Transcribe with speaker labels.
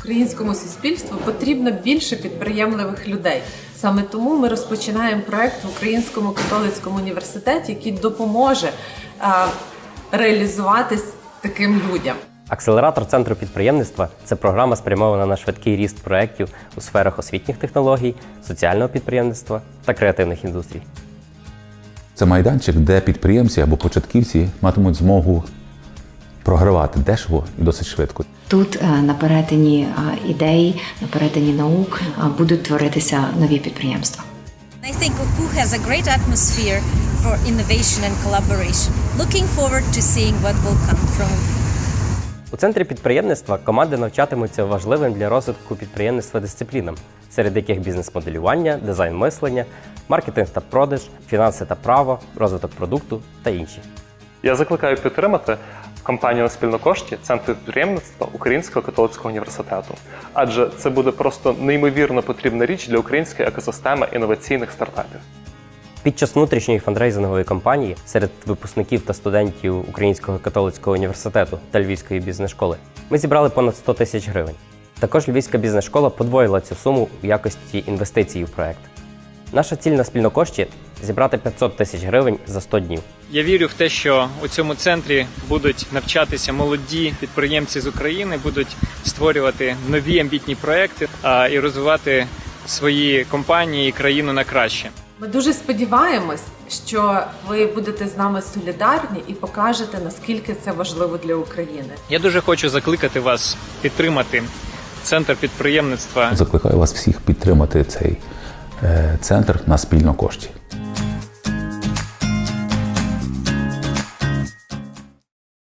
Speaker 1: Українському суспільству потрібно більше підприємливих людей. Саме тому ми розпочинаємо проект в Українському католицькому університеті, який допоможе реалізуватись таким людям.
Speaker 2: Акселератор Центру підприємництва – це програма, спрямована на швидкий ріст проєктів у сферах освітніх технологій, соціального підприємництва та креативних індустрій.
Speaker 3: Це майданчик, де підприємці або початківці матимуть змогу програвати дешево і досить швидко.
Speaker 4: Тут на перетині ідей, на перетині наук будуть творитися нові підприємства.
Speaker 5: I think OKU has a great atmosphere for innovation and collaboration. Looking forward to seeing what will come from OKU.
Speaker 2: У Центрі підприємництва команди навчатимуться важливим для розвитку підприємництва дисциплінам, серед яких бізнес-моделювання, дизайн мислення, маркетинг та продаж, фінанси та право, розвиток продукту та інші.
Speaker 6: Я закликаю підтримати компанію на спільнокошті Центр підприємництва Українського католицького університету. Адже це буде просто неймовірно потрібна річ для української екосистеми інноваційних стартапів.
Speaker 2: Під час внутрішньої фандрейзингової кампанії серед випускників та студентів Українського католицького університету та Львівської бізнес-школи ми зібрали понад 100 тисяч гривень. Також Львівська бізнес-школа подвоїла цю суму в якості інвестицій в проект. Наша ціль на спільнокошті – зібрати 500 тисяч гривень за 100 днів.
Speaker 7: Я вірю в те, що у цьому центрі будуть навчатися молоді підприємці з України, будуть створювати нові амбітні проекти і розвивати свої компанії і країну на краще.
Speaker 1: Ми дуже сподіваємось, що ви будете з нами солідарні і покажете, наскільки це важливо для України.
Speaker 7: Я дуже хочу закликати вас підтримати Центр підприємництва.
Speaker 3: Закликаю вас всіх підтримати цей центр на спільнокошті.